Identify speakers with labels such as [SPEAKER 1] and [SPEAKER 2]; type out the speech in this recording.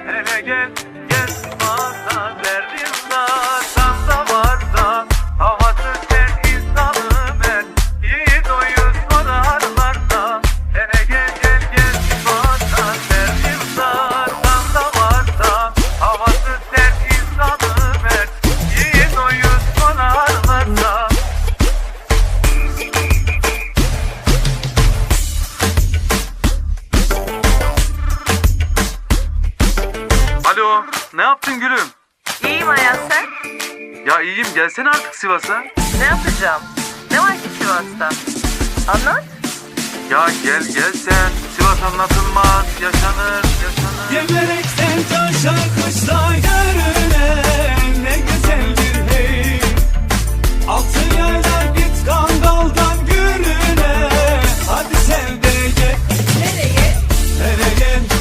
[SPEAKER 1] Hele gel gel Sivas'a, derdim da varsa, havası sen insanı ben, yiğit oyun sorarlarsa. Hele gel gel gel Sivas'a, derdim da varsa, havası sen insanı ben, yiğit oyun sorarlarsa. Alo, ne yaptın gülüm?
[SPEAKER 2] İyiyim Ayaz, sen?
[SPEAKER 1] Ya iyiyim, gelsene artık Sivas'a.
[SPEAKER 2] Ne yapacağım? Ne var ki Sivas'ta? Anlat.
[SPEAKER 1] Ya gel sen, Sivas anlatılmaz, yaşanır